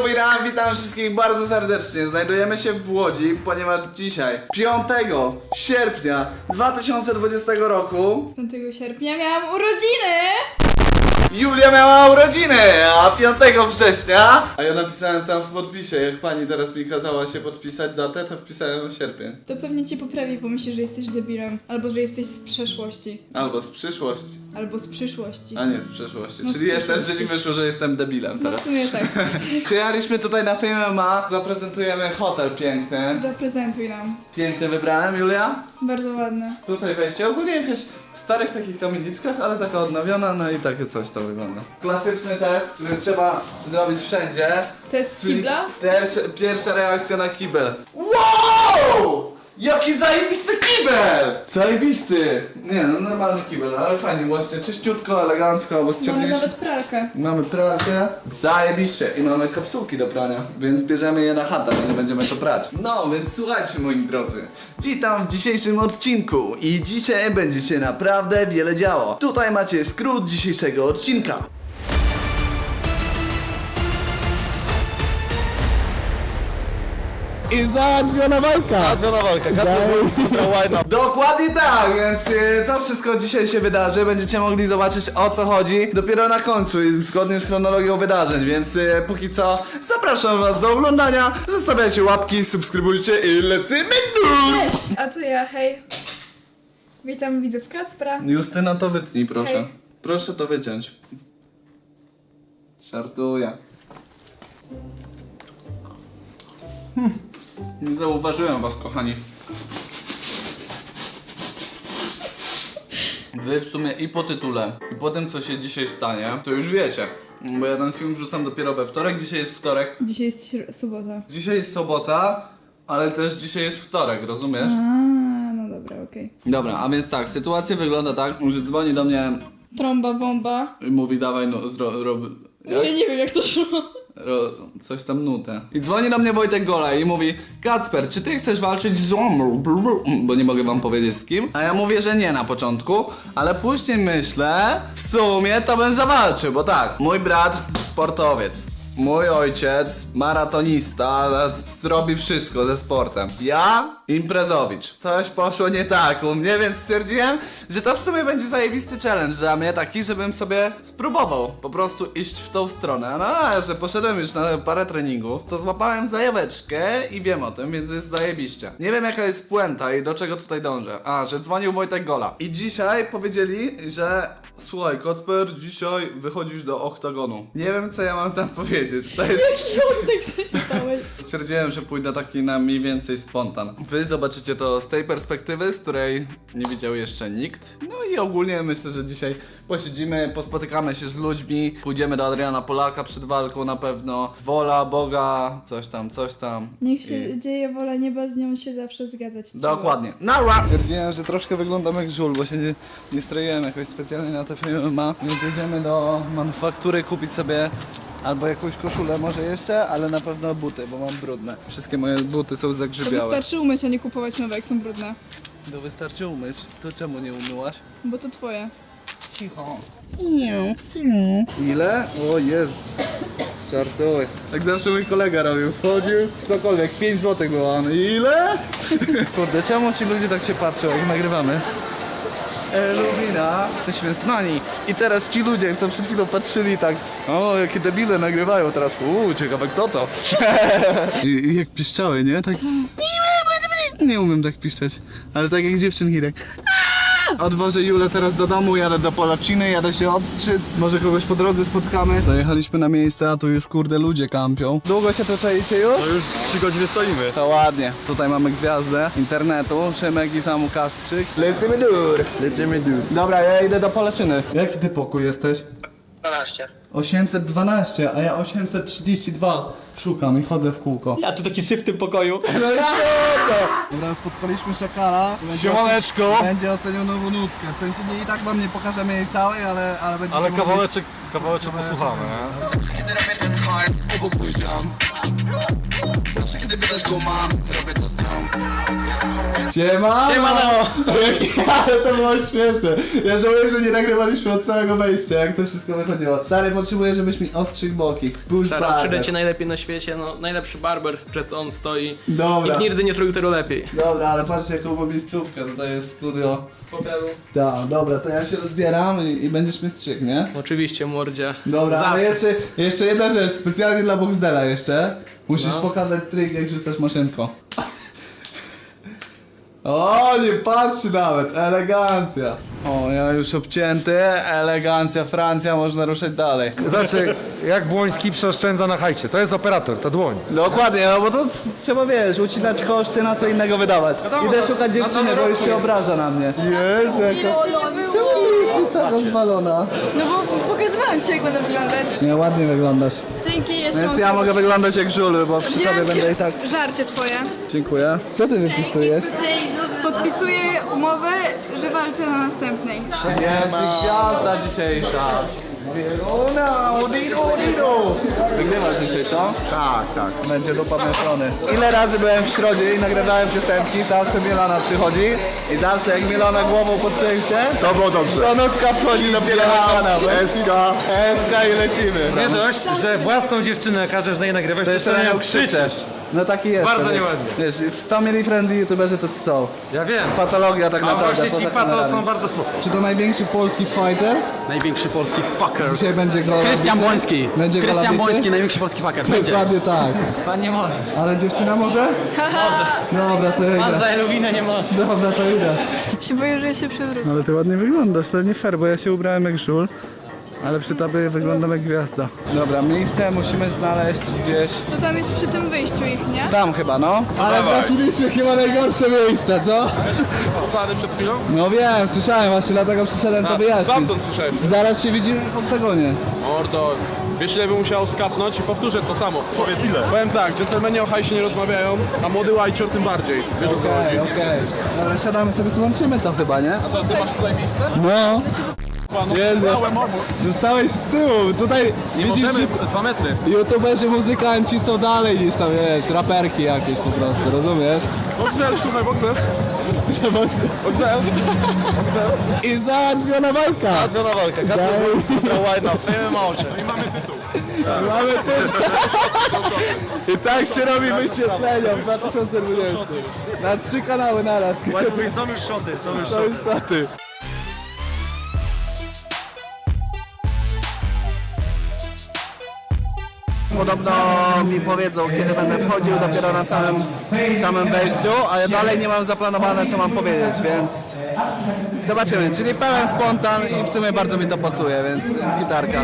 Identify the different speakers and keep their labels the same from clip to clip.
Speaker 1: Witam wszystkich bardzo serdecznie. Znajdujemy się w Łodzi, ponieważ dzisiaj, 5 sierpnia 2020 roku
Speaker 2: 5 sierpnia miałam urodziny!
Speaker 1: Julia miała urodziny, a 5 września... A ja napisałem tam w podpisie, jak pani teraz mi kazała się podpisać datę, to wpisałem sierpień.
Speaker 2: To pewnie cię poprawi, bo myśli, że jesteś debilem. Albo że jesteś z przeszłości.
Speaker 1: Albo z przyszłości,
Speaker 2: Albo z przyszłości.
Speaker 1: a nie z przeszłości.
Speaker 2: No,
Speaker 1: Czyli czyli wyszło, że jestem debilem
Speaker 2: No
Speaker 1: teraz.
Speaker 2: w sumie tak.
Speaker 1: Przyjechaliśmy tutaj na FMMA, zaprezentujemy hotel piękny.
Speaker 2: Zaprezentuj nam.
Speaker 1: Piękny wybrałem, Julia?
Speaker 2: Bardzo ładne.
Speaker 1: Tutaj wejście, ogólnie jakaś w starych takich kamieniczkach, ale taka odnowiona, no i takie coś to wygląda. Klasyczny test, który trzeba zrobić wszędzie.
Speaker 2: Test
Speaker 1: Czyli
Speaker 2: kibla?
Speaker 1: pierwsza reakcja na kibel. Wow! Jaki zajebisty kibel! Zajebisty! Nie no, normalny kibel, ale fajnie właśnie, czyściutko, elegancko, bo
Speaker 2: Mamy
Speaker 1: stwierdziliśmy...
Speaker 2: nawet pralkę.
Speaker 1: Mamy pralkę, zajebiście i mamy kapsułki do prania, więc bierzemy je na chatę, bo nie będziemy to prać. No, więc słuchajcie moi drodzy, witam w dzisiejszym odcinku i dzisiaj będzie się naprawdę wiele działo. Tutaj macie skrót dzisiejszego odcinka. I załatwiona walka! Dokładnie tak, więc to wszystko dzisiaj się wydarzy. Będziecie mogli zobaczyć o co chodzi dopiero na końcu, zgodnie z chronologią wydarzeń, więc póki co zapraszam was do oglądania. Zostawiajcie łapki, subskrybujcie i lecimy tu!
Speaker 2: Cześć! A to ja, hej. Witam widzów Kacpra.
Speaker 1: Justyna, to wytnij proszę.
Speaker 2: Hej.
Speaker 1: Proszę to wyciąć. Żartuję. Nie zauważyłem was, kochani. Wy w sumie i po tytule, i po tym co się dzisiaj stanie, to już wiecie. Bo ja ten film wrzucam dopiero we wtorek, dzisiaj jest wtorek.
Speaker 2: Dzisiaj jest sobota.
Speaker 1: Dzisiaj jest sobota, ale też dzisiaj jest wtorek, rozumiesz?
Speaker 2: No dobra, okej.
Speaker 1: Dobra, a więc tak, sytuacja wygląda tak, że dzwoni do mnie
Speaker 2: Trąba, bomba.
Speaker 1: i mówi dawaj no jak?
Speaker 2: Ja nie wiem jak to szło.
Speaker 1: Coś tam nutę. I dzwoni do mnie Wojtek Gola i mówi: Kacper, czy ty chcesz walczyć z Zomą? Bo nie mogę wam powiedzieć z kim. A ja mówię, że nie na początku, ale później myślę, w sumie to bym zawalczył, bo tak, mój brat sportowiec. Mój ojciec, maratonista, zrobi wszystko ze sportem. Ja, imprezowicz. Coś poszło nie tak u mnie, więc stwierdziłem, że to w sumie będzie zajebisty challenge dla mnie, taki, żebym sobie spróbował po prostu iść w tą stronę. No, a że poszedłem już na parę treningów, to złapałem zajaweczkę i wiem o tym, więc jest zajebiście. Nie wiem jaka jest puenta i do czego tutaj dążę. A, że dzwonił Wojtek Gola. I dzisiaj powiedzieli, że słuchaj, Kacper, dzisiaj wychodzisz do oktagonu. Nie wiem co ja mam tam powiedzieć. To jest...
Speaker 2: Jaki zapytałeś?
Speaker 1: Stwierdziłem, że pójdę taki na mniej więcej spontan. Wy zobaczycie to z tej perspektywy, z której nie widział jeszcze nikt. No i ogólnie myślę, że dzisiaj posiedzimy, pospotykamy się z ludźmi, pójdziemy do Adriana Polaka przed walką na pewno. Wola Boga, coś tam.
Speaker 2: Niech się dzieje wola nieba, z nią się zawsze zgadzać trzeba.
Speaker 1: Dokładnie. Nara! Stwierdziłem, że troszkę wyglądam jak żul, bo się nie stroiłem jakoś specjalnie na te filmy, więc jedziemy do manufaktury kupić sobie albo jakąś koszulę może jeszcze, ale na pewno buty, bo mam brudne. Wszystkie moje buty są
Speaker 2: To
Speaker 1: zagrzybiałe.
Speaker 2: wystarczy umyć, a nie kupować nowe, jak są brudne.
Speaker 1: To wystarczy umyć. To czemu nie umyłaś?
Speaker 2: Bo to twoje.
Speaker 1: Cicho. Ile? O Jezu. Żartuję. Tak zawsze mój kolega robił. Wchodził, cokolwiek, 5 zł było. On, ile? Kurde, czemu ci ludzie tak się patrzą, jak nagrywamy? Lubina, jesteśmy znani. I teraz ci ludzie, co przed chwilą patrzyli tak, o jakie debile nagrywają teraz, ciekawe kto to. I jak piszczały, nie? Tak. Nie umiem tak piszczeć, ale tak jak dziewczynki tak. Odwożę Julę teraz do domu, jadę do Polaciny, jadę się obstrzyc. Może kogoś po drodze spotkamy. Dojechaliśmy na miejsce, a tu już kurde ludzie kampią. Długo się to czaicie już?
Speaker 3: No już 3 godziny stoimy.
Speaker 1: To ładnie. Tutaj mamy gwiazdę internetu, Szymek i Samu Kasprzyk. Lecimy dur.
Speaker 3: Lecimy dół.
Speaker 1: Dobra, ja idę do Polaczyny. Jaki ty pokój jesteś?
Speaker 4: 12.
Speaker 1: 812, a ja 832 szukam i chodzę w kółko.
Speaker 3: Ja tu taki syf w tym pokoju.
Speaker 1: Dobra, spotkaliśmy szakala.
Speaker 3: Siemaneczko.
Speaker 1: Będzie oceniał nową nutkę. W sensie nie i tak wam nie pokażemy jej całej, ale będzie.
Speaker 3: Ale kawałeczek posłuchamy, nie?
Speaker 4: Zawsze kiedy robię ten hajs, obok mój ziom. Zawsze kiedy widać go mam, robię to z nią.
Speaker 1: Siemano! Ale to było śmieszne. Ja żałuję, że nie nagrywaliśmy od samego wejścia, jak to wszystko wychodziło. Stary, potrzebuję, żebyś mi ostrzył boki. Push
Speaker 5: Stara,
Speaker 1: barber.
Speaker 5: przyjdę cię najlepiej na świecie, no najlepszy barber przed on stoi.
Speaker 1: Dobra.
Speaker 5: Nikt nigdy nie zrobił tego lepiej.
Speaker 1: Dobra, ale patrzcie jaką mam miejscówkę, tutaj jest studio.
Speaker 5: Fotelu.
Speaker 1: Tak, dobra, to ja się rozbieram i będziesz mnie strzygł, nie?
Speaker 5: Oczywiście, mordzia.
Speaker 1: Dobra, ale
Speaker 5: Zawsze.
Speaker 1: jeszcze jedna rzecz, specjalnie dla Boxdela jeszcze. Musisz
Speaker 5: No.
Speaker 1: pokazać trik, jak rzucasz maszynką. O, nie patrzy nawet, elegancja. O, ja już obcięty, elegancja, Francja, można ruszać dalej.
Speaker 6: Znaczy, jak Błoński przeoszczędza na hajcie. To jest operator, to dłoń.
Speaker 1: Dokładnie, no bo to trzeba, wiesz, ucinać koszty, na co innego wydawać. Idę szukać dziewczyny, bo już się obraża na mnie. Jezu, jaka... Czemu jesteś taka zwalona?
Speaker 2: No bo pokazywałam ci, jak będę wyglądać.
Speaker 1: Nie, ładnie wyglądasz.
Speaker 2: Dzięki, jeszcze
Speaker 1: Więc ja mogę wyglądać jak żul, bo przy tobie
Speaker 2: Wziąłem
Speaker 1: będę i tak...
Speaker 2: żarcie twoje.
Speaker 1: Dziękuję. Co ty wypisujesz?
Speaker 2: Podpisuję umowę, że walczę na następnej.
Speaker 1: Jest gwiazda dzisiejsza. Wieruna, odiru. Wygrywasz dzisiaj, co? Tak. Będzie dupa mieszony. Ile razy byłem w Środzie i nagrywałem piosenki, zawsze Milona przychodzi i zawsze jak Milona głową potrzęsie, to było dobrze. To nutka wchodzi dopiero na kanał. Eska i lecimy.
Speaker 6: Nie dość, że własną dziewczynę każesz na jej nagrywać,
Speaker 1: To jeszcze na nią krzyczesz. No taki jest.
Speaker 6: Bardzo
Speaker 1: to wiesz.
Speaker 6: nieładnie.
Speaker 1: Wiesz, family friendly youtuberzy to co są?
Speaker 6: Ja wiem.
Speaker 1: Patologia tak
Speaker 6: A
Speaker 1: naprawdę.
Speaker 6: właśnie ci
Speaker 1: poza
Speaker 6: pato
Speaker 1: kamerami.
Speaker 6: są bardzo spoko.
Speaker 1: Czy to największy polski fighter?
Speaker 3: Największy polski fucker.
Speaker 1: Dzisiaj będzie go.
Speaker 3: Krystian Błoński.
Speaker 1: Będzie go
Speaker 3: Krystian
Speaker 1: labity?
Speaker 3: Błoński, największy polski fucker. Będzie.
Speaker 1: Dokładnie tak.
Speaker 5: Pan nie może.
Speaker 1: Ale dziewczyna może? Może. Dobra, to idę.
Speaker 5: Za Eluwinę nie może.
Speaker 1: Dobra, to idę.
Speaker 2: Się boję, że się przewrócę.
Speaker 1: Ale ty ładnie wyglądasz, to nie fair, bo ja się ubrałem jak żul. Ale przy tobie wyglądam jak gwiazda. Dobra, miejsce musimy znaleźć gdzieś.
Speaker 2: To tam jest przy tym wyjściu ich, nie?
Speaker 1: Tam chyba, no. Ale trafiliśmy chyba najgorsze miejsce, co?
Speaker 3: Poznany przed chwilą?
Speaker 1: No wiem, słyszałem właśnie, dlatego przyszedłem to wyjaśnić.
Speaker 3: Stamtąd słyszałem.
Speaker 1: Zaraz się widzimy w oktagonie.
Speaker 3: Mordo, wiesz ile bym musiał skapnąć i powtórzę to samo. Powiedz ile? Powiem tak, dżentelmeni o hajsie nie rozmawiają, a młody łajcior tym bardziej. Wiesz o co chodzi?
Speaker 1: Okej. Dobra, siadamy sobie, złączymy to chyba, nie?
Speaker 3: A co, ty masz tutaj miejsce?
Speaker 1: No.
Speaker 3: Panu,
Speaker 1: Jezu. Zostałeś z tyłu, tutaj
Speaker 3: nie
Speaker 1: widzisz,
Speaker 3: możemy,
Speaker 1: że
Speaker 3: 2 metry.
Speaker 1: youtuberzy, muzykanci są dalej niż tam, wiesz, raperki jakieś po prostu, rozumiesz?
Speaker 3: Boxer, słuchaj, boxer. Boxer.
Speaker 1: I załatwiona walka!
Speaker 3: Związana walka, Kacper White na film oczy. I mamy tytuł.
Speaker 1: Mamy I tak się robi wyświetlenia w 2020. Na 3 kanały naraz.
Speaker 3: Są już szoty, są już
Speaker 1: To jest szaty. Podobno mi powiedzą, kiedy będę wchodził, dopiero na samym wejściu, a ja dalej nie mam zaplanowane, co mam powiedzieć, więc zobaczymy. Czyli pełen spontan i w sumie bardzo mi to pasuje, więc gitarka.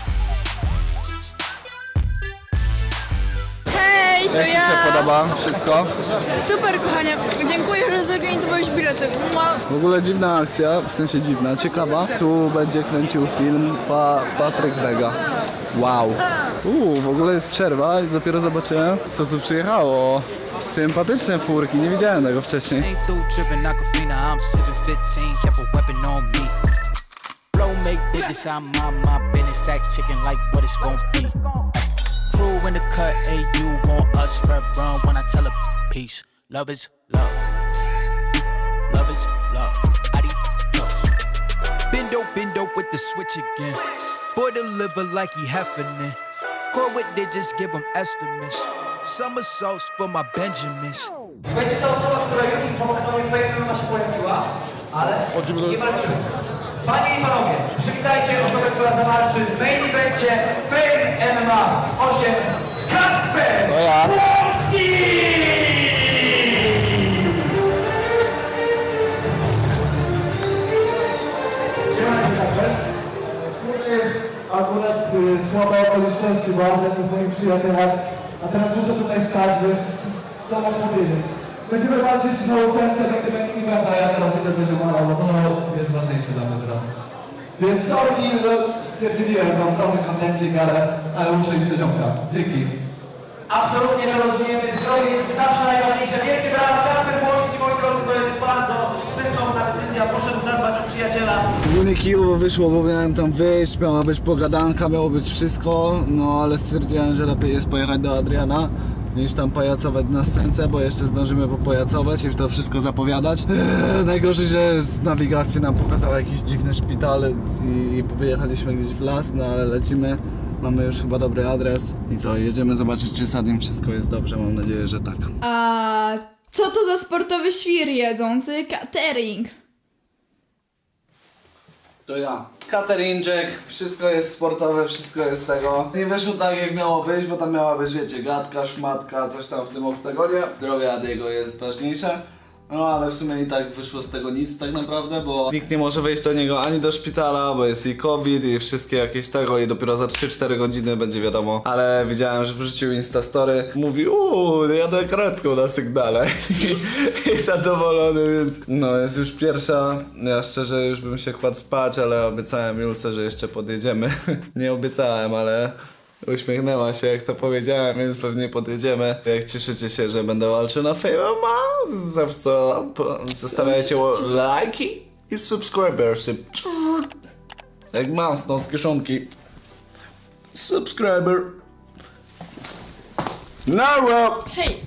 Speaker 2: Hej, to
Speaker 1: Jak Ci
Speaker 2: ja!
Speaker 1: się podoba wszystko?
Speaker 2: Super, kochanie. Dziękuję, że zorganizowałeś bilety. Mua.
Speaker 1: W ogóle dziwna akcja, w sensie dziwna, ciekawa. Tu będzie kręcił film Patryk Wega. Wow. W ogóle jest przerwa i dopiero zobaczyłem, co tu przyjechało. Sympatyczne furki, nie widziałem tego wcześniej.
Speaker 7: Ain't through tripping Aquafina, I'm sipping 15, kept a weapon on me. Flow make digits, I'm on my business, stack chicken like what it's gon' be. Crew in the cut, hey, you want us red run when I tell a peace. Love is love. Love is love. Adios. Bendo with the switch again. Boy deliver like he heffing. Core with digits, give them estimates. Somersaults for my Benjamins.
Speaker 8: Będzie to osoba, która już po swojej ma się pojawiła, ale nie walczymy. Panie i panowie, przywitajcie osobę, która zawalczy w main evencie Fame MMA 8, Kacper Błoński! Siemanko, Kacper. Jest akurat słabe okoliczności, bo jestem z moim przyjacielem, a teraz muszę tutaj stać, więc co mam powiedzieć? Będziemy walczyć na ósemce, będzie main event, a ja teraz idę do ziomala, bo to jest ważniejsze dla mnie teraz. Więc sorry, no stwierdziłem, mam trochę kontencik, ale muszę iść do ziomka. Dzięki. Absolutnie to rozumiemy, zdrowie jest zawsze najważniejsze. Wielkie brawa, Kacper Błoński, moi drodzy, to jest bardzo sensowna decyzja, poszedł zadbać o przyjaciela.
Speaker 1: Ogólnie kijowo wyszło, bo miałem tam wyjść, miała być pogadanka, miało być wszystko, no ale stwierdziłem, że lepiej jest pojechać do Adriana niż tam pajacować na scence, bo jeszcze zdążymy popajacować i to wszystko zapowiadać. Najgorzej, że z nawigacji nam pokazała jakiś dziwny szpital i wyjechaliśmy gdzieś w las, no ale lecimy. Mamy już chyba dobry adres. I co, jedziemy zobaczyć, czy z Adim wszystko jest dobrze. Mam nadzieję, że tak.
Speaker 2: A co to za sportowy świr jedzący catering?
Speaker 1: To ja. Cateringczek, wszystko jest sportowe, wszystko jest tego. Nie wyszło tak jak miało wyjść, bo tam miała być, wiecie, gadka, szmatka, coś tam w tym oktagonie. Zdrowie Adiego jest ważniejsze. No ale w sumie i tak wyszło z tego nic tak naprawdę, bo nikt nie może wejść do niego ani do szpitala, bo jest i COVID i wszystkie jakieś tego i dopiero za 3-4 godziny będzie wiadomo. Ale widziałem, że wrzucił Instastory, mówi jadę kratką na sygnale i zadowolony, więc no jest już pierwsza. Ja szczerze już bym się kładł spać, ale obiecałem Julce, że jeszcze podjedziemy. Nie obiecałem, ale uśmiechnęła się jak to powiedziałem, więc pewnie podjedziemy. Jak cieszycie się, że będę walczył na Fame, zostawiajcie lajki i subscribersy. Jak masno z kieszonki. Subscriber. Nara!
Speaker 2: Hej!